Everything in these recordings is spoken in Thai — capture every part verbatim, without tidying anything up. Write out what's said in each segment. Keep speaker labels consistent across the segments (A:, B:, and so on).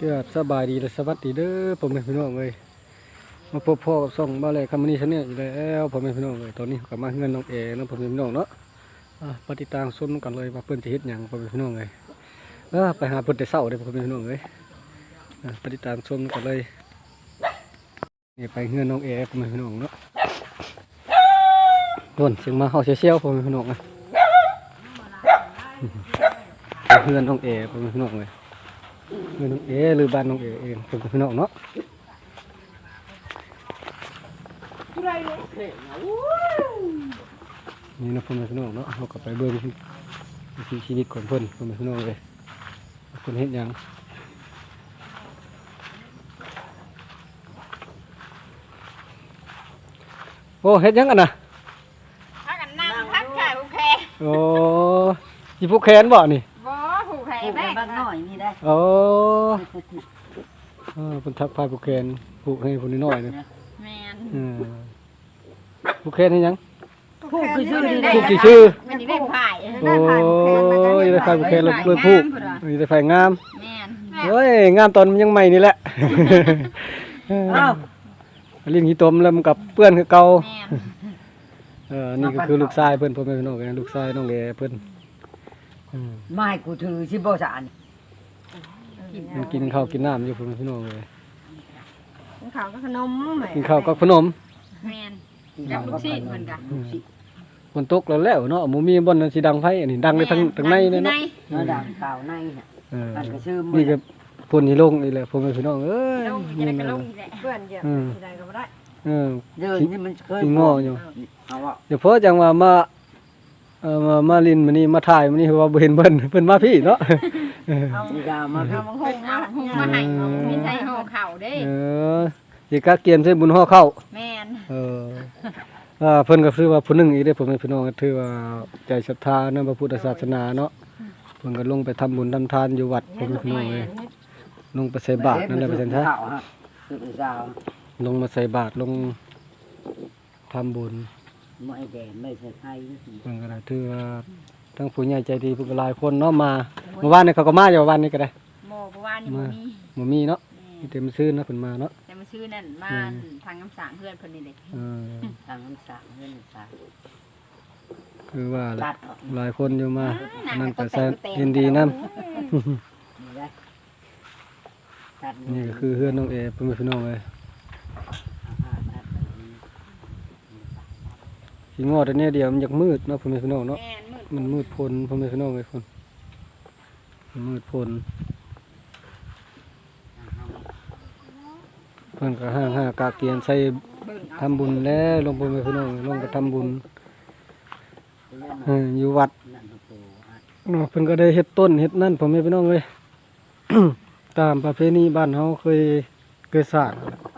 A: ครับสบายดีและสวัสดีเด้อผมเป็นพี่น้องเลยมาพบพ่อกับส่องบ้านเลยคำนี้ฉันเนี่ยอยู่แล้วผมเป็นพี่น้องเลยตอนนี้กลับมาเงินน้องเอ๋นะผมเป็นพี่น้องเนาะปฏิตางส้มกันเลยว่าเพื่อนจะเฮ็ดหยังผมเป็นพี่น้องเลยเออไปหาเพื่อนแต่เศร้าเลยผมเป็นพี่น้องเลยปฏิตางส้มกันเลยนี่ไปเงินน้องเอ๋ผมเป็นพี่น้องเนาะโดนเสียงมาเฮาเชี่ยวๆผมเป็นพี่น้องนะเงินน้องเอ๋ผมเป็นพี่น้องเลยเงินน้องเอ๋หรือบ้านน้องเอ๋เองผมเป็นพี่น้องเนาะนี่นะพ่อแม่พี่น้องเนาะเราก็ไปเบิ่งวิถีชีวิตของเพิ่นพ่อแม่พี่น้องเลยเพิ่นเฮ็ดหยังโอ้เฮ็ดหยังกันน่ะ
B: พักกันนั่งพักขายผู้แพร
A: โอ้สิผูกแขนบ่นี่
B: บ่ผู้แพร
C: ผูก
B: แม่
C: บ้านน้อยนี่ได้
A: โอ้เออเพิ่นทักพายผูกแขนผูกให้ผู้น้อยๆนี่
B: แม่น
A: เออผูกแขนให้หยัง
C: ผูกคือชื่อนี่ได้
A: ผูกกี่ชื่อ
B: มันได้พาย
A: โอ้ยได้พายผูกแขนแล้วเลยผูกได้พายงาม
B: แม่น
A: เฮ้ยงามตอนมันยังใหม่นี่แหละ
C: อ้าว
A: ลิ้นขี้ตมแล้วมันกับเปื้อนคือเก่า
B: แม่น
A: เออนี่ก็คือลูกชายเพิ่นพ่อแม่พี่น้องกันลูกชายน้องแหล่เพิ่นอืม
C: ไม้กูถือสิบ่สาน
A: มันกินข้าวกินน้ำอยู่พ่อแม่พี่น้องเลย
D: กินข้าวก็ขนมแหม่
A: กินข้าวกับขนม
B: แม่นจับลูกชิ้นเหมือนกัน
A: ฝนตกแล้วแล้วเนาะหมูมีบ่อนนั้นสิดังไฟอันนี้ดังในทางทางในเลยเนาะ
C: เนาะดังเก่าในน่ะ
A: เออ
C: มันก็ชื่อ
A: นี่ก็พ่นนี่ลงนี่แหละพ่อแม่พี่น้องเอ้ย
B: ลงจะได้กระลงอีกแหละ
D: เพื่อนเหยียบที่ใดก็บ่ได้
A: เออ
C: เดินนี่มันเคย
A: สิง้ออยู่
C: เอาว่า
A: เดี๋ยวพอจังว่ามาเอ่อมามาลินมื้อนี้มาถ่ายมื้อนี้ว่าบ่เห็นเพิ่นเพิ่นมาพี่เนาะเออ
D: เอา
C: นี่ดามา
D: เอามังห
B: เพิ่
D: ง
B: น
D: มา
B: เอาหุงมาให้มีใส่ห่อข้าวเด้
A: เออสิกะเกียมใส่บุญห่อเข้า
B: แม่น
A: เอออ่าเพิ่นก็คือว่าผู้หนึงอีกเด้อพ่อแม่พี่น้องก็ถือว่าใจศรัทธาในพระพุทธศาสนาเนาะเพิ่นก็ลงไปทำบุญทำทานอยู่วัดพ่อแม่พี่น้องเอ้ยลงไปใส่บาตรนั่นแหละว่าซั่นซะ
C: ข้าวฮะคือสาว
A: ลงมาใส่บาตรลงทำบุญ
C: ไม่แดงไม่ใช่ไข่
A: เพิ่นก็ได้ถือว่าทั้งผู้ใหญ่ใจดีเพิ่นก็หลายคนเนาะมาเมื่อวานนี้เขาก็มาอยู่วันนี้ก็ได้
B: หม้อเพราะว่านี่บ่มี
A: บ่มีเนาะมีแต่มื้อซื่นเนาะเพิ่นมาเนาะ
B: แต่มาซื้อนั่นมาทางน้ำสางเพื่อนเพิ่นนี่เด้
A: เออ
C: ทางน้ำสางเงินสาง
A: คือว่า
C: ตัดออก
A: หลายคนอยู่มานั่นก็แสนยินดีนำ
C: นี่ได้ตัด
A: นี่ก็คือเฮือนน้องเอเพิ่นเป็นพี่น้องเอ้ยสิงอแต่เนี่ยเดียวมันอยากมืดเนาะเพิ่นเป็นพี่น้องเนาะ
B: แม่นมืด
A: มันมืดพลเพิ่นเป็นพี่น้องเอ้ยคนมันมืดพลเพิ่นก็ห้างห้ากาเกียนใส่
B: เบิ่งเอา
A: ทำบุญแล้วลงเพิ่นเป็นพี่น้องลงไปทำบุญเอออยู่วัดเนาะเพิ่นก็ได้เฮ็ดต้นเฮ็ดนั่นผมเป็นพี่น้องเอ้ย ตามประเพณีบ้านเฮาเคยเคยสร้าง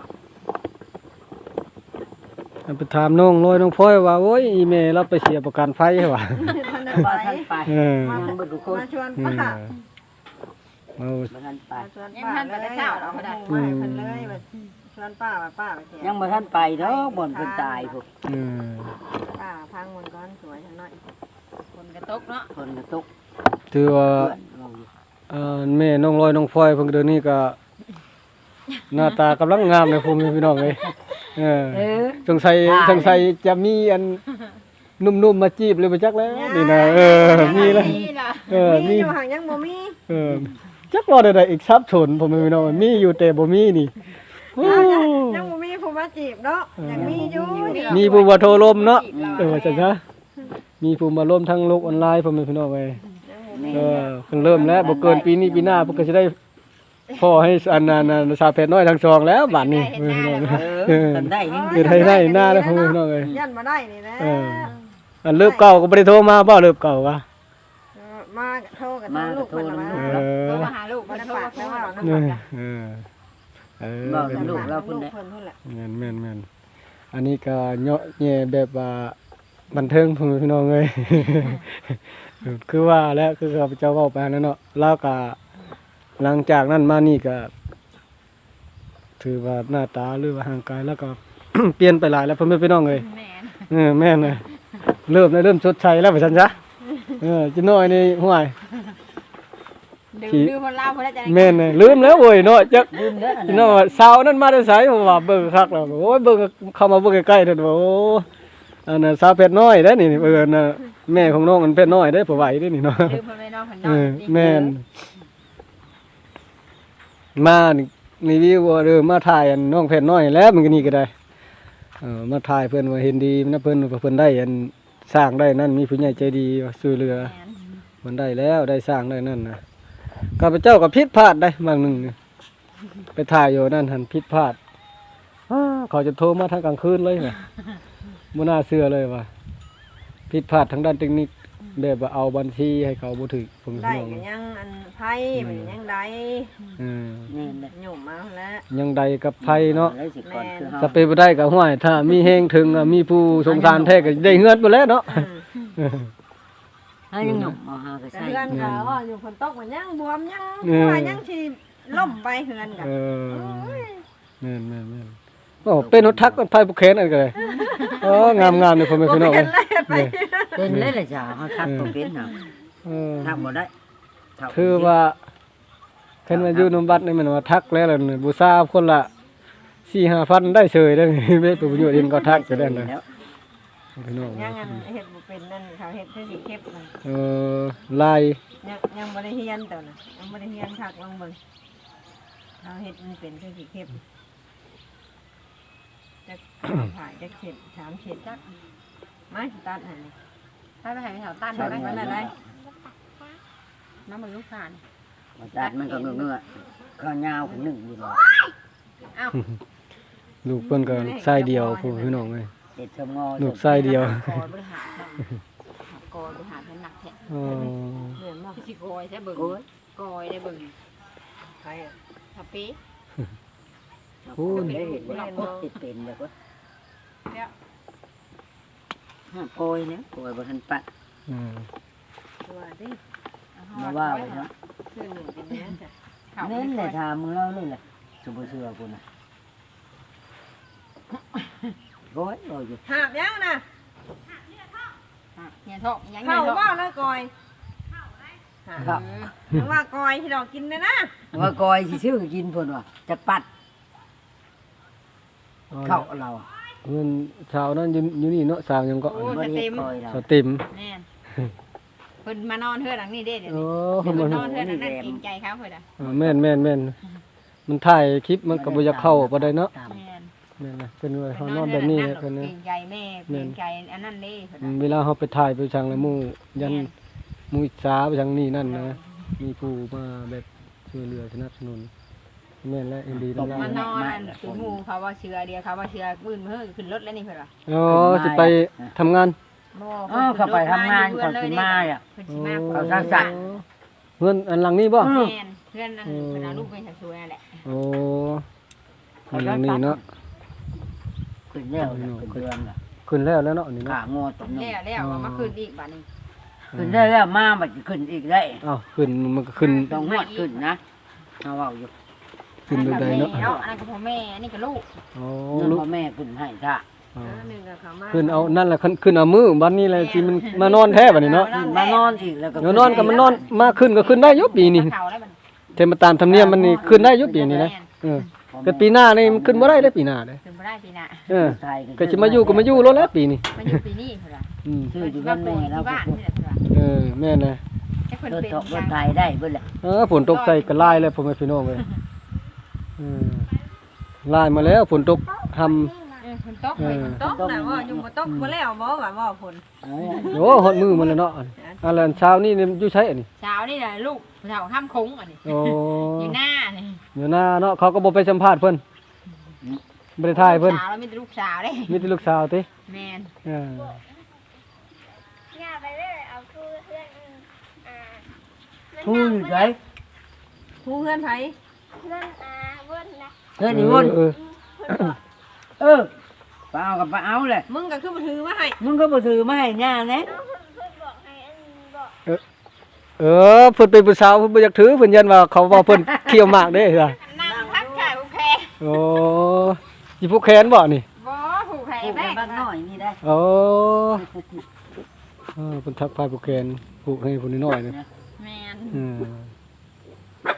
A: อันไปถามน้องลอยน้องพลอยว่าโอ้ยอีแม่เราไปเสียประกันภัยให้ว่า
D: ท่านได้
C: บ้า
D: ไป
C: ท่านไป
A: เออ
C: มันบ่ทุกคน
D: มาชวน
A: เอ
D: ป้า
A: อเอา
C: บ้าท่านไป
D: มาชวนป้าเลยเอามาเพิ่นเลยว่าชวนป้าว่าป้าไปเที่ยว
C: ยังบ่ท่านไปเนาะบ่นเพิ่นตายพวก
A: เออ
D: ป้าพังมันก่อนสวยจังหน่อย
B: คนกระตกเนาะ
C: คนกระตก
A: ถือว่า
C: เพื่อนเราอยู่
A: เอ่อแม่น้องลอยน้องพลอยเพิ่นเดี๋ยวนี้ก็ หน้าตากำลังงามเลยผมพี่น้องเอ้ยเออ
C: เออ
A: สงสัยสงสัยจะมีอันนุ่มๆมาจีบเลยบ่จักแล้วนี่นะเออมีแล้ว
B: นี่ล่ะ
A: เออ
D: มี
A: มี
D: อยู่ห่างยังบ่มี
A: เออจักว่าได้อีกทรัพย์สนผมพี่น้องมีอยู่แต่บ่มีนี่โอ้
D: ยังบ่มีผู้มาจีบเนาะยังมีอยู่
A: มีผู้มาโทรลมเนาะเออว่าจังซะมีผู้มาร่วมทางโลกออนไลน์ผมพี่น้องเอ้ย
C: นี่
A: เออเพิ่งเริ่มแล้วบ่เกินปีนี้ปีหน้าเพิ่นก็สิได้พ่อให้อันนั้นน่ะสาวเพชรน้อยทั้งสองแล้วบัดนี้พี่น้อง
C: เออทำได้ยัง
A: เฮ็ดให้ได้หน้าแล้วพี่น้องเอ้ย
D: ยันมาได้นี่แหละ
A: เอออันเลิกเก่าก็บ่ได้โทรมาบ่เลิกเก่าวะ
D: มาโทรกันลูกเพิ่นละมา
A: เออ
B: โทรมาหาลูก
D: บ่
B: มา
D: ได้
B: โทร
D: ฝาก
B: มา
D: แล้วว่า
B: โทร
D: เนาะ
A: เออเออเออ
C: บอก
A: เป็น
C: ลูกเรา
D: ลู
C: พุ่น
D: ก
C: แหละ
D: เพิ่นพุ่นแหละ
A: แม่นแม่นแม่นอันนี้ก็เนาะแย่แบบว่าบันเทิงพ่อแม่พี่น้องเอ้ย คือว่าแล้วคือข้าพเจ้าเว้าไปนั่นเนาะแล้วก็หลังจากนั้นมานี่ก็ถือว่าหน้าตาหรือว่าร่างกายแล้วก็ เปลี่ยนไปหลายแล้วพ่อแม่พี่น้องเอ้ย
B: แม่น
A: เออแม่นเลยเริ่มได้เริ่มชดใช้แล้วว่าซั่นซะเออจิน้อยนี่ห่วย
B: ดื่ม
A: ที่
B: ดื่มคนเล่าคนได้จะได้
A: แม่นน่ะลืมแล้วเว้ยเนาะจัก
C: ลืมเด้ออัน
A: พี่
C: นั้น
A: น้องว่าสาวนั้นมาได้ไสผมว่าเบิ่งคักแล้วโอ้ยเบิ่งเข้ามาเบิ่งใกล้ๆเด้อว่าโอ้อันน่ะสาวเพชรน้อยเด้อนี่เอิ้นน่ะแม่ของน้องอันเพชรน้อยเด้อผู้ไหวเด้อนี่เนาะ
B: ดื่มคนไม่นอนคนน
A: เอ
B: อน
A: อแม่นมานี่รีวิวว่าเด้อมาถ่ายอันน้องเพชรน้อยแล้วมันก็นี่ก็ได้เออมาถ่ายเพิ่นว่าเห็นดีนะเพิ่นว่าเพิ่นได้อันสร้างได้นั่นมีผู้ใหญ่ใจดีว่าช่วยเหลือ
B: แม่น
A: มันได้แล้วได้สร้างได้นั่นนะข้าพเจ้าก็ผิดพลาดได้บางหนึ่งนี่ไปถ่ายอยู่นั่นหันผิดพลาดอ้าเขาจะโทรมาทางกลางคืนเลยนะบ่น่าเชื่อเลยว่าผิดพลาดทางด้านเทคนิคแบบว่าเอาบัญชีให้เขาบ่ถึกผม
D: ได้
A: น้อง
D: ก็ยังอันไพ่มันยังได้
A: อืม
C: นี่แหละ
D: หยุ่มมาแล้ว
A: ยังใดกับไผเนาะ
C: เลยสิก่อนคือเฮา
A: สเปบ่ได้ก็ห้วยถ้ามีแฮงถึงอะมีผู้สงสารแท้ก็ได้เฮือนบ่แล้วเนาะ
D: อืม
C: เฮายังหนุ่มเอาหาก็
D: แต่
C: ใส่
D: เฮือนก็ว่าอยู่ฝนตกมันยังบวมยัง
A: เออ
D: ว่ายังสิล่มไปเฮือนก็
A: เออแม่นแม่นแม่นโอ้เป็นรถทักมันไผบ่แข็งอันก็เลยอ๋องามๆเลยพ่อแม่พี่น้อง
D: เป็
A: เอ้ย
D: นไรไป
A: เนี่ย
C: เป็นเลยล่ะจ้ะเฮาทักบ่เป็นน่ะ
A: เออ
C: ทักบ่ได้ทักบ่
A: คือว่าเพิ่นมาอยู่นำบัดนี่มันว่าทักแล้วล่ะนี่บูชาคนละ สี่ห้าพัน ได้เฉยได้นี่ ไม่เป็นประโยชน์เองก็ทักก็ได้นะ
C: แล้ว
A: พี่น้อง
D: ยังอันเฮ็ดบ่เป็นนั่นเขาเฮ็ดคือสิเก็บมัน
A: เออลาย
D: ยังยังบ่ได้เฮียนตัวน่ะยังบ่ได้เฮียนคักลองเบิ่งเขาเฮ็ดมันเป็นคือสิเก็บจักผ่ายจักเข็ดสามเข็ดจักมาสิตัดให้นี่
B: ถ้าไปให้แถวตั้น
D: ตัด
B: ไป
D: มันอะไร
B: น้ำมันลูกผ่าน
C: บ่ตัดมันก็เงื้อๆข้าวยาวขึ้นหนึ่งอยู่แล้ว
B: อ้าว
A: ลูกเพิ่นก็ไส้เดียวพู้พี่น้องเอ้ย
C: เด็ดชมงอ
A: ลูกไส้เดียว
B: กอยบริหารกอยบริหารเป็นหนักแท้
A: อ๋อ
D: เหมือนบ่
B: พี่สิกอยใช่เบิ่ง
C: โอ้ย
B: กอยได้เบิ่ง
D: ใครอ่ะ
B: ทับปี
A: พูด
C: ได้เห็นว่าติดเป็นแบบว่า
B: แล้ว
C: ห้าโกยเนี่ยโกยบ่ทันปะ
A: อืม
D: ตัวดิ
C: มาว่าไว้เนาะ
D: คือหนึ่งเป็นแม่จ้ะ
C: เน้นเลยถามมึงเล่าเลยแหละสุบเสือกูน่ะโกยโอ้ย
D: หาบยังน่ะ
B: เนี่ยท้องยัง
D: เข้า
B: เนี่ยท้อง
D: ว่าแล้วกอย
C: ครับ
D: เพราะว่ากอยที่เรากินนะนะ
C: ว่าโกยสิชื่อกินเพิ่นว่าจะปัดเข้าเรา
A: เงินชาวนั้นอยู่อยู่นี่เนาะสาวยังก็
B: โอ้
C: บ่
B: ส
C: ได้
B: เต็ม
C: โกยเรา
A: สาวติ่ม
B: แม่นเพิ่นมานอนเฮือนหลังนี้เด้เดี๋ยว
A: โอ้
B: นี้
A: เพิ่
B: เพิ่
A: น
B: น
A: บ่
B: นอนเฮือนหลังนั้นเกรงใจเขาเพิ่นอ่ะ
A: อ่าแม่นแม่นแม่นมันถ่ายคลิปมันก็บ่อยากเข้าบ่ได้เนาะ
B: แม่น
A: แม่นนะเพิ่นว่า
B: เพิ่
A: เฮาน น
B: น
A: อ
B: อน น
A: แบ
B: เฮือบ นหลัง
A: นี้
B: นั้น
A: เพิ่น
B: เกร
A: นะ
B: งใจแม่เกรงใจอันนั้นเด้เพิ่น
A: อื
B: น่ะ
A: มเวลาเฮาไปถ่ายไปจังละหมู่ยัน
B: แม่น
A: หมู่อิจฉาไปจังนี่นั่นนะมีผู้มาแบบช่วยเหลือสนับสนุนแม่นและเอ็นดีทั้งหลาย
B: มานอนอันคือหมู่เขาว่าเชือเดียวเขาว่าเชือปืนมือขึ้นรถแล้วนี่เพิ่นว่า
A: อ๋อสิไปทำงาน
B: บ่
C: อ๋อเข้าไปทำงานเขาสิมาอ่ะ
B: เพิ่นสิมา
C: เขาสร้างสรรค์
A: เงินอันหลังนี้บ่
C: อืม
B: แม่นเพื่อนนั่นเพิ่นเอาลูกไปสักสวยนั่นแหละ
A: โอ้อันหลังนี้เนาะ
C: ขึ้นแล้วล่ะขึ้นเดือนล่ะ
A: ขึ้นแล้วแล้วเนาะนี่
C: ขา
A: เนาะ
C: งอตรงนี้
B: แล้วแล้วว่ามาคืนอีกบัดนี้
C: ขึ้นได้แล้วมาบัดขึ้นอีกได้
A: อ้าวขึ้นมันก็ขึ้น
C: ต้องงวดขึ้นนะเอาเว้าอยู่
A: ขึ้นแบบใดเนาะ
B: เนาะอันนั้นก็พ่อแม่อันนี้ก็ลูก
A: อ๋อ
C: เงิน
A: ลูก
C: พ่อแม่ขึ้นให้ท่า
A: อ๋อ
D: หนึ่งกับเขามา
A: ขึ้นเอานั่นแหละขึ้นขึ้นเอามือบัดนี้แหละสิมันมานอนแท้บัดนี้เนาะ
C: ขึ้นมานอนอีกแล้วก็
A: เดี๋ยวนอนก็มันนอนมาขึ้นก็ขึ้นได้อยู่ปีนี้
B: เฒ่าแล้วบัด
A: เทมาตามธรรมเนียมมันนี่ขึ้นได้อยู่ปีนี้นะเออแต่ปีหน้านี่มันขึ้นบ่ได้เด้อปีหน้าเด้อ
B: ขึ้นบ่ได้ปีหน้า
A: เออ
C: ไทย
A: ก็สิมาอยู่ก็มาอยู่รถแล้วปีนี้
B: มาอยู่ปีนี้เพิ่นว่า
A: อืม
C: ชื่ออยู่
B: มา
C: บ้าน
B: ปลู
C: แม่
B: ก
C: แล้ว
B: ที่บ้านนี่แหละเพิ่นว่า
A: เออแม่นนะ
B: จักเพิ่น
C: รถ
B: เป็น
C: ตกร
B: จั
C: ถ
B: ง
C: ไทยได้เบิ่นแหละ
A: เออฝนตกใส่ก็ลายแล้วพ่อแม่พี่น้องเอ้ยเออลายมาแล้วฝนตกทำ
B: เออเพิ่นตกเพิ่น
D: ตกน่ะว่าอยู่บ่ตกบ่แล้วบ่ว่าบ่ผล
C: เอาไว้
A: โอ้ฮอดมือมันแล้วเนาะอันนั้นเช้านี่นี่อยู่ใช้อันนี้
B: เช้านี่น่ะลูกเฒ่าห้ามคงอันนี้
A: โอ้
B: อยู่หน้านี่
A: เดี๋ยวหน้าเนาะเขาก็บ่ไปสัมภาษณ์เพิ่นบ่ได้ถ่ายเพิ่น
B: สาวแล้วมีแต่ลูกสาวเด้
A: มีแต่ลูกสาวติ
B: แม่น
A: เออ
E: อย่าไปเลยเอาคือเพื่อนอืมอ่า
C: ทู่อยู่ไส
D: ผู้เพื่อนไผ
E: เพื่อนอ่าเพื่อนนะ
C: เฮ้ยนี่วุ่น
A: เออ
C: เออไปเอากับไปเอาเลย
D: มึงก็คือบ่ถือมาให้
C: มึงก็บ่ถือมาให้ย่าแน่
E: เพื่อนเพื่อนบอกให้อันบอก
A: เออเพิ่นเป็นผู้สาวเพิ่นบ่อยากถือเพิ่นยันว่าเขาว่าเพิ่นเคี่ยวหมากเด้จ้ะ
B: นั่งทักทายโอเค
A: โอ้สิผูกแขนบ่นี่
B: บ่ผูกแข
C: ปลู
B: น
C: ก
B: แม่
C: ในบ้านน้อยนี่ได้
A: โอ้เออเพิ่นทักพายผูกแขนผูกให้ผู้น้อยๆนี่
B: แม่น
A: อืม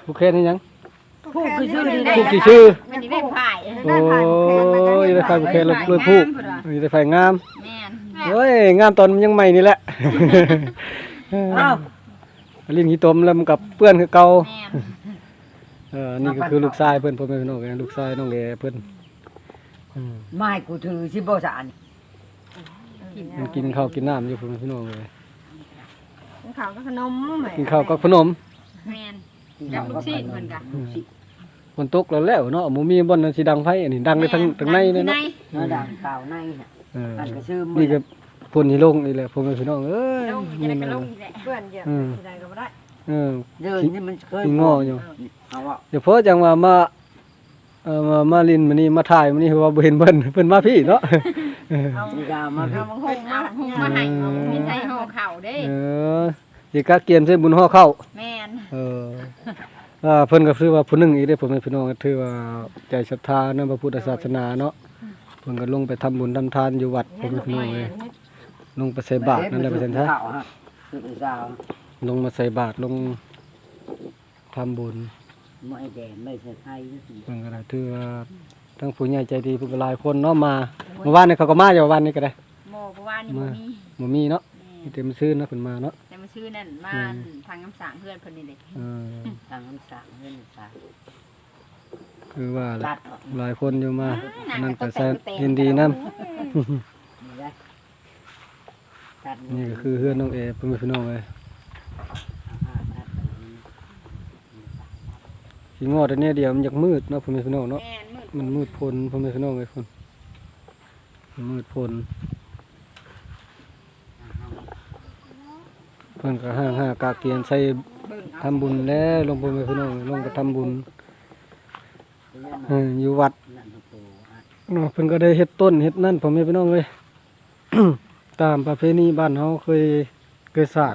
A: ผู้แค้นนี่หยัง
C: ผู้คือชื่อนี่
A: ผู้กี่ชื่อ
B: มันนี่ได้ผ่าย
A: โอ้ยได้ไฟผู้แค้นแล้วเลยผู้ได้ไฟงาม
B: แม่น
A: โอ้ยงามตอนมันยังใหม่นี่แหละ
C: อ้าว
A: ลิ้นขี้ตมแล้วมันกับเปื้อนคือเก่า
B: แม่น
A: เออนี่ก็คือลูกชายเพิ่นพ่อแม่พี่น้องกันลูกชายน้องแหล่เพิ่นอืม
C: ไม้กูถือสิบ่สาน
A: มันกินข้าวกินน้ำอยู่พ่อแม่พี่น้องเลย
D: กินข้าวกับขนมแหม
A: กินข้าวกับขนม
B: แม่นจับลูกศิษย์เพิ่นก็
A: ฝนตกแล้วแล้วเนาะหมูมีบ่อนนั้นสิดังไฟอันนี้ดังในทางทางในเลยเนาะ
C: เนาะดังข่าวในน่ะ
A: เออ
C: มันก็ชื่อ
A: นี่ก็ฝนที่ลงนี่แหละพ่อแม่พี่น้องเอ้ย
B: ลงจะได้ก็ลงนี่แหละ
D: เพื่อนเยอะสิได้ก็บ่ได้
A: เออ
C: เดินนี่มันเคย
A: ขี้ง้ออยู่
C: เอาว่า
A: เดี๋ยวพอจังว่ามาเอ่อมามาลินมื้อนี้มาถ่ายมื้อนี้คือว่าบ่เห็นเพิ่นเพิ่นมาพี่เนาะเออ
D: เอา
C: มีกามา
D: เอามังห
B: เพิ่
D: ง
B: น
D: มา
B: เอาหุงมาให้มีใส่ห่อข้าวเด้
A: เออสิกะเกียมใส่บุญห่อเข้าว
B: แม่น
A: เอออ่าเพิ่นก็คือว่าผู้หนึงอีกเด้อพ่อแม่พี่น้องก็ถือว่าใจศรัทธาในพระพุทธศาสนาเนาะเพิ่นก็ลงไปทำบุญทำทานอยู่วัดพ่อแม่พี่น้องเอ้ยลงไปใส่บาตรนั่นแหละว่าซั่นซะ
C: ข่าวฮะคือเป็นสาว
A: ลงมาใส่บาตรลงทำบุญ
C: ไม่แดงไม่ใช่ไทย
A: เพิ่นก็ได้ถือว่าทั้งผู้ใหญ่ใจดีเพิ่นก็หลายคนเนาะมาเมื่อวานนี้เขาก็มาอยู่วันนี้ก็ได้
B: โมเพราะว่านี่บ่มี
A: บ่มีเนาะ
B: แม่
A: มีแต่มื้อซื่นเนาะเพิ่นมาเนาะ
B: แต่มาชื่อนั่นมาทางน้ำสางเพื่อนเพิ่นนี่เลย
A: เออ
C: ทางน้ำสางเงินสาง
A: คือว่าแหละ
C: ตัดออก
A: หลายคนอยู่มานั่นก็แสนยินดีนำ
C: นี่ได้ตัด
A: นี่ก็คือเฮือนน้องเอเพิ่นเป็นพี่น้องเอ้ยสิงอแต่เนี่ยเดียวมันอยากมืดเนาะเพิ่นเป็นพี่น้องเนาะ
B: แม่นมืด
A: มันมืดพลเพิ่นเป็นพี่น้องเอ้ยเพิ่นมันมืดพลเพิ่นก็ห้างหากาเกียนใส่
B: เบิ่ง
A: ทำบุญแล้วลงเพิ่นเป็นพี่น้องลงไปทำบุญเอออยู่วัด
C: นั่นตัวโตอ่ะ
A: เนาะเพิ่นก็ได้เฮ็ดต้นเฮ็ดนั่นพ่อแม่พี่น้องเอ้ย ตามประเพณีบ้านเฮาเคยเคยสร้าง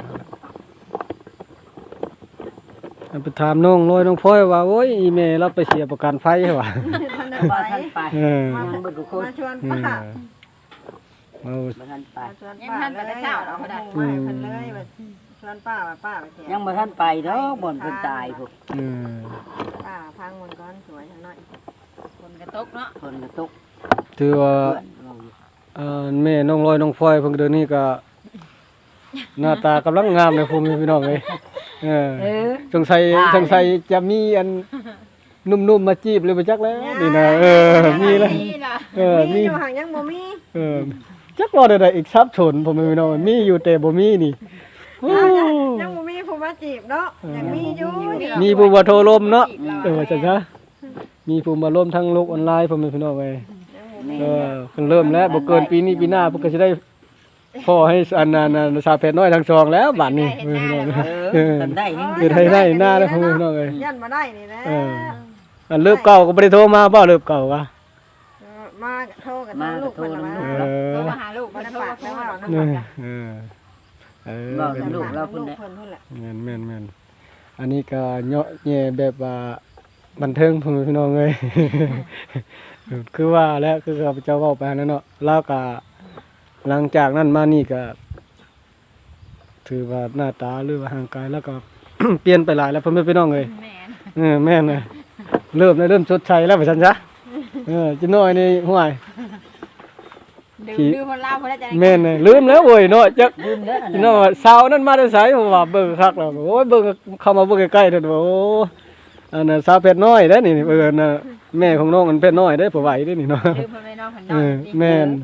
A: อันไปถามน้องลอยน้องพลอยว่าโอ้ยอีแม่เราไปเสียประกันไฟว่ะ
D: ท่านได้
C: บ้า
D: ไป
C: ท่านไป
A: เออ
C: ยังบ่ทุกคน
D: มาชวน
A: เอ
D: ป้า
A: อเอา
C: บ่ท่านไป
D: มาชวนป้าเลยเอามาให้เพิ่นเลยว่าชวนป้าว่าป้าไปเที่ยว
C: ยังบ่ท่านไปเนาะบ่อนเพิ่นตายพวก
A: เออ
D: ป้าพังมันก่อนสวยจังหน่อย
B: คนกระตกเนาะ
C: คนกระตก
A: ถือว่า
C: เพื่อนเราอยู่
A: เอ่อแม่น้องลอยน้องพลอยเพิ่นเดี๋ยวนี้ก็หน้าตากำลังงามเลยพ่อแม่พี่น้องเอ้ยเออ
C: เออ
A: สงสัยสงสัยจะมีอันนุ่มๆมาจีบเลยบ่จักแล้วนี่นะเออมีแล้ว
B: นี่ล่ะ
A: เออ
D: มี
A: มี
D: อยู่ห่างยังบ่มี
A: เออจักว่าได้อีกทรัพย์ชนผมไม่รู้ว่ามีอยู่แต่บ่มีนี่โอ้
D: ยังบ่มีผู้มาจีบเนาะยังมีอยู่
A: มีผู้มาโทรลมเนาะเออจังซะมีผู้มาลมทางโลกออนไลน์ผมไม่รู้ว่าไง
C: นี่
A: เออเพิ่นเริ่มแล้วบ่เกินปีนี้ปีหน้าเพิ่นก็สิได้พ่อให้อันนั้นน่ะสาวเพชรน้อยทั้งสองแล้วบัดนี้เออ
C: เออทำได้ยัง
A: เกิดให้ได้หน้าแล้วผมไม่รู้เอ้ย
D: ยันมาได้นี่แหละ
A: เอออันเลิกเก่าก็บ่ได้โทรมาบ่เลิกเก่าวะ
D: มาโทรกับลูกเพิ่นละมา
A: เออ
B: โทรมาหาลูก
D: บ่
B: มา
D: ได้
B: โทร
D: ฝาก
B: มา
D: แล้วว่า
B: เนาะ
A: เออเออเออ
C: บอก
A: เป็น
C: ลูกเรา
D: ลู
C: พุ่น
D: ก
C: แหละ
D: เพิ่นพุ่นแหละ
A: แม่นแม่นแม่นอันนี้ก็เนาะแย่แบบว่าบันเทิงพ่อแม่พี่น้องเอ้ย คือว่าแล้วคือข้าพเจ้าเว้าไปนั่นเนาะแล้วก็หลังจากนั้นมานี่ก็ถือว่าหน้าตาหรือว่าร่างกายแล้วก็ เปลี่ยนไปหลายแล้วพ่อแม่พี่น้องเอ้ย
B: แม่น
A: เออแม่นเลยเริ่มเลยเริ่มชดใช้แล้วว่าซั่นซะเออจิน้อยนี่ห่วย
B: ดื่มดื่มคนลาวคนละจะ
A: แม่นเลยลืมแล้วโว้ยเนาะจัก
C: ลืมแล้วอัน
A: จิ
C: นั้น
A: น้อยสาวนั้นมาได้ไสผมว่าเบิ่งคักแล้วโอ้ยเบิ่งเข้ามาเบิ่งใกล้ๆเด้อโอ้อันน่ะสาวเพชรน้อยเด้อนี่เออน่ะแม่ของน้องมันเพชรน้อยเด้อผู้ไหวเด้อนี่เนาะ
B: ดื่มคนไม่น้องคน
A: เอ
B: น้อง
A: อแม่น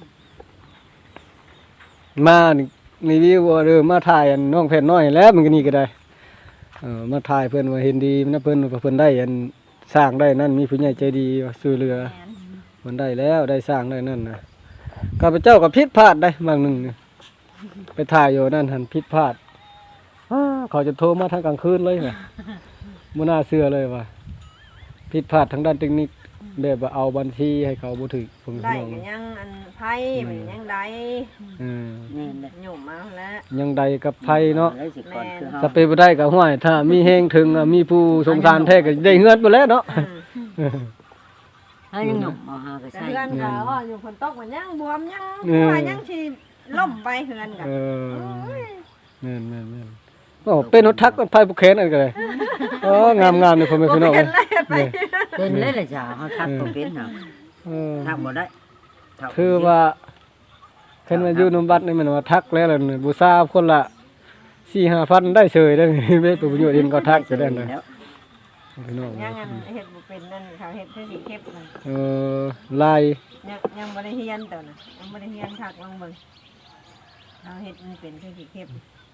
A: มานี่รีวิวว่าเด้อมาถ่ายอันน้องเพชรน้อยแล้วมันก็นี่ก็ได้เออมาถ่ายเพิ่นว่าเห็นดีนะเพิ่นว่าเพิ่นได้อันสร้างได้นั่นมีผู้ใหญ่ใจดีว่าช่วยเหลือ
B: แม่น
A: มันได้แล้วได้สร้างได้นั่นนะข้าพเจ้าก็ผิดพลาดได้บางหนึ่งนี่ไปถ่ายอยู่นั่นหันผิดพลาดอ้าเขาจะโทรมาทางกลางคืนเลยว่ะบ่น่าเชื่อเลยว่ะผิดพลาดทางด้านเทคนิคแบบว่าเอาบัญชีให้เขาบ่ถึกผม
D: ได้
A: น้อง
D: ก็ยังอันไผมันยังได้
A: เออ
C: นี่แหละ
D: หยุ่มมาแล้ว
A: ยังใดกับไผเนาะ
C: ได้สิก่อนคือเฮา
A: สเปบ่ได้ก็ห้วยถ้ามีแฮงถึงอะมีผู้สงสารแท้ก็ได้เฮือนบ่แล้วเนาะ
C: ให้ยังหนุ่มเอาหาก็
D: แต่
C: ใช่
D: เฮือนก็ว่าอยู่ฝนตกมันยังบวมยัง
A: เออ
D: ว่ายังสิล่มไปเฮือนก็
A: เออแม่นๆๆโอ้เป็นรถทักมันไผบ่แค้นอันก็เลยโอ้งามๆนี่พ่อแม่พี่น้อง
D: บ่
A: เอ้
D: เป็
A: ย
D: นเลยไป
A: นี่
C: เป็นเลยเลยจ้ะเขาทักบ่เป็นน่ะ
A: เออ
C: ทักบ่ได้ทักบ่
A: คือว่าเพิ่นมาอยู่นำบัดนี่มันว่าทักแล้วล่ะนี่บูชาคนละ สี่ห้าพันได้เฉยได้เว้ยประโยชน์เองก็ทักไปได้เลย
C: แล้ว
A: พี่น้อง
D: ยังอันเฮ็ดบ่เป็นนั่นเขาเฮ็ดให้สิเก็บนั่น
A: เออลาย
D: ยังยังบ่ได้เฮียนตัวน่ะยังบ่ได้เฮียนคักลองเบิ่งเขาเฮ็ดมันเป็นให้สิเก็บ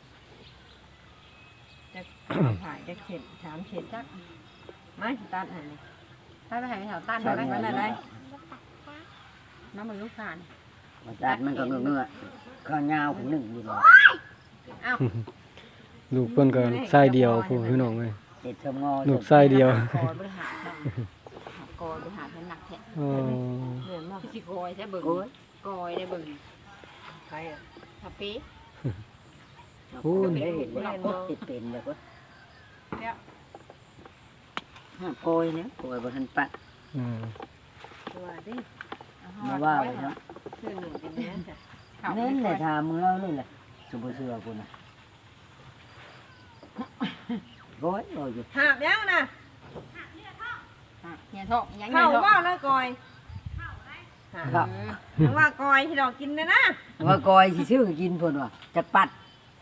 D: จักถ่ายจักเข็ดถามเข็ดจักมาสิตัดให้นี่
B: ถ้าไปให้แถวตั้น
D: ตั
B: ได้
D: ด
B: ไหม
D: มันอะไร
B: น้ำมันลูกผ่าน
C: มาตัดมันก็เงือกๆข้าวยาวขึ้นหนึ่งอยู่บ่
B: อ้าว
A: ลูกเพิ่นก็ไส้เดียวผู้พี่น้องเอ้ย
C: เฮ็ดชมงอ
A: ลูกไส้เดียว
B: กอยบริหารกอยบริหารมันหนักแท้
A: อ๋อ
D: เหมือนบ่
B: พี่สิกอยใช่เบิ่ง
C: โอ้ย
B: กอยได้เบิ่ง
D: ใครอ่ะ
B: ทับปี
A: พูน
C: ได้เห็นว่าติดเป็นแล้วก็
B: แล้ว
C: ห้าโกยเนี่ยโกยบ่ทันปัด
A: อืม
D: ตัวดิ
C: มาว่าไว้เนาะ
D: คือหนึ่งเป็นแม่นจ้ะ
C: เน้นเลยถามมึงเล่าเลยแหละสุบ่เชื่อกูน่ะโอ้ยโอ้ยอยู่
D: หาบยังน่ะ
B: เนี่ยท้องยัง
D: เข้า
B: เนี่ยท้อง
D: ว่าแล้วกอย
C: ครับ
D: ยังว่ากอยที่เรากินนะนะ
C: ว่ากอยสิซื้อกินเพิ่นว่าจะปัด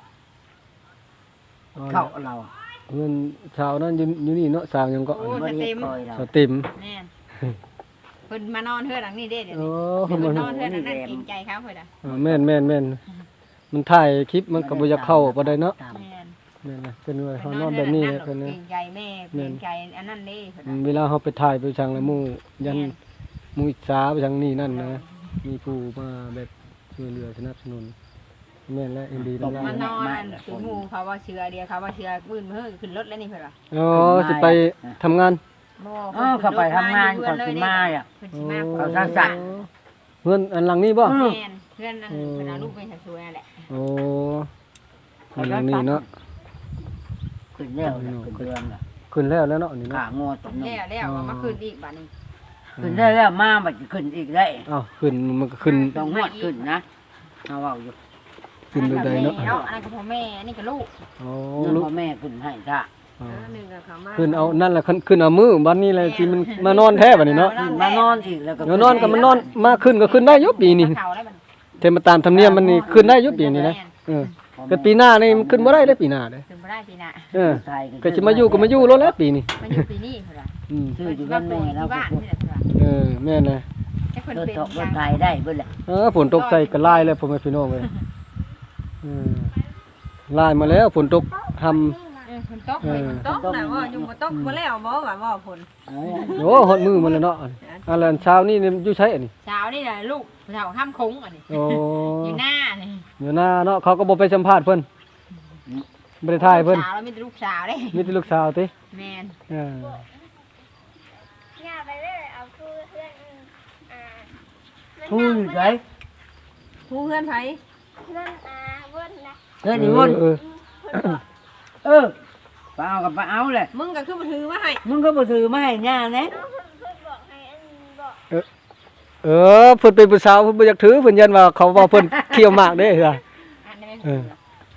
C: เข้าเราอะ
A: เงินชาวนั้นอยู่อยู่นี่เนาะสร้างหยังก็
B: โอ้
C: บ่
B: ส
C: ได้
B: เต็
C: เฮ็ด
B: ม
C: กอยเรา
A: สติม
B: แน่นเพิ่นมานอนเฮือหลังนี้เด้เดี๋ยว
A: โอ้
B: นี้
A: เพิ่น
B: เพิ่น
A: มาน
B: อนเฮือหลังนั้นเกรงใจเขาเพิ่นอ่ะ
A: อ่าแม่นแม่นแม่นมันถ่ายคลิปมันก็บ่อยากเข้าบ่ได้เนาะ
C: ตาม
B: แม่น
A: แม่นนะเป็นว่า
B: เพิ่
A: เขา
B: น
A: น
B: น
A: อ
B: อน น
A: แบ
B: เฮือบ หลัง
A: นี้
B: นั้น
A: เพิ่น
B: เกร
A: นะ
B: งใจแม่เกรงใจอันนั้นเด้เพิ่น
A: อื
B: น่ะ
A: มเวลาเขาไปถ่ายไปชังละหมู่ยัน
B: แม่น
A: หมู่อิจฉาไปชังนี่นั่นนะมีผู้มาแบบช่วยเหลือสนับสนุนแม่นและเอ็นดีนั่น
B: มา
A: ล่ะ
B: นอนคือหมู่เขาว่าเชือเดียวเขาว่าเชือมื่นมือขึ้นรถแล้วนี่เพิ่นว่า
A: อ๋อสิไปทำงาน
B: บ่
C: เออเข้าไปทำงานก่อนสิมาอ่ะ
B: เพิ่นสิมา
C: เขาสร้างสรรค์
A: เงินอันหลังนี้บ่
B: แม่นเพื่อนนั่นเพิ่นเอาลูกไปให้ช่วยนั่นแหละ
A: โอ้อันหลังนี้เนาะ
C: ขึ้นแล้วน่ะขึ้นเดือนละ
A: ขึ้นแล้วแล้วเนาะนี่
C: ขา
A: เนาะ
C: งอตรงนี้
B: แล้วแล้วเอามาคืนอีกบัดนี้
C: ขึ้นได้แล้วมาบัดจะขึ้นอีกได้
A: อ้าวขึ้นมันก็ขึ้น
C: ต้องงวดขึ้นนะเอาเอาอยู่
A: ขึ้นดูได้เนาะ
B: อันนั้นก็พ่อแม่อันนี้ก็ลูก
A: โอ้
C: เงิน
A: ลูก
C: พ่อแม่ขึ้นให้จ้ะ
A: อ๋อ
D: หนึ่งกับเขามา
A: ขึ้นเอานั่นแหละขึ้นขึ้นเอามือบัดนี้แหละที่มันมานอนแท้บัดนี้เนาะ
C: ขึ้นมานอนอีกแล้วก็
A: เดี๋ยวนอนก็มันนอนมาขึ้นก็ขึ้นได้อยุปีนี้
B: เขาได้บัด
A: เทมาตามธรรมเนียมมันนี่ขึ้นได้อยุปีนี้นะเออก็ปีหน้านี่มันขึ้นบ่ได้เด้อปีหน้าเด้อ
B: ถึงบ่ได้ปีหน้า
A: เออ
C: ไทย
A: ก็สิมาอยู่ก็มาอยู่แล้วแหละปีนี้
B: มาอยู่ปีนี้เพิ่นว่า
A: อืม
C: ชื่ออยู่บ้านแม่แล้ว
B: ที่
C: ก็
B: บ้านนี่แหละเพิ่นว่า
A: เออแม่นเลย
B: แต่เพิ่น
C: เพิ่น
B: เป็น
C: ตก
B: อ
C: ร
B: ย่า
C: ถ
B: ง
C: ไทยได้เพิ่นแหละ
A: เออฝนตกใส่ก็ลายแล้วพ่อแม่พี่น้องเอ้ยเออลายมาแล้วฝนตกทำ
B: เออเพิ่นตกเพิ่น
D: ตกน่ะว่าอยู่บ่ตกบ่แล้วบ่ว่าบ่ผล
C: เอ้ย
A: โอ้ฮอดมือมันแล้วเนาะอันนั้นเช้านี่นี่อยู่ใช้อันนี้
B: เช้านี่แหละลูกเช้าห้ามคุ้งอันนี้
A: โอ้
B: อยู่หน้านี่
A: อยู่หน้าเนาะเขาก็บ่ไปสัมภาษณ์เพิ่นบ่ได้ถ่ายเพิ่น
B: สาวแล้วมีแต่ลูกสาวเด้
A: มีแต่ลูกสาวติ
B: แม่น
A: เออ
E: ย่าไปเลยเอาทูเพื่อนอืมอ่า
C: พูดอยู่ไส
D: ผู้เพื่อนไผ
E: เพื่อนอาเพื่อนนะ
C: เฮ้ยนี่วุ่น
A: เออ
C: เออไปเอากับไปเอาแหละ
D: มึงก็คือบ่ถือมาให้
C: มึงก็บ่ถือมาให้ย่าแน่
E: เพื่อนเพื่อนบอกให้อันบอก
A: เออเพิ่นเป็นผู้สาวเพิ่นบ่อยากถือเพิ่นยันว่าเขาว่าเพิ่นเคี่ยวหมากเด้อ
B: อันนี้ไม่
A: เอ
B: ถู
A: อก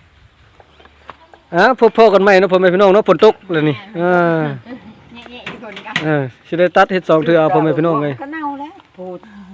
A: อ่ะพบพอกันใหม่เนาะพ่อแม่พี่น้องเนาะฝนตกแล้วนี่เออ
B: เนี่ยๆอีกคนกัน
A: เออสิได้ตัดเฮ็ดสองเทื่อเอาพ่อแม่พี่น้องเอ้ย
C: ก็เน่าแล้วพูด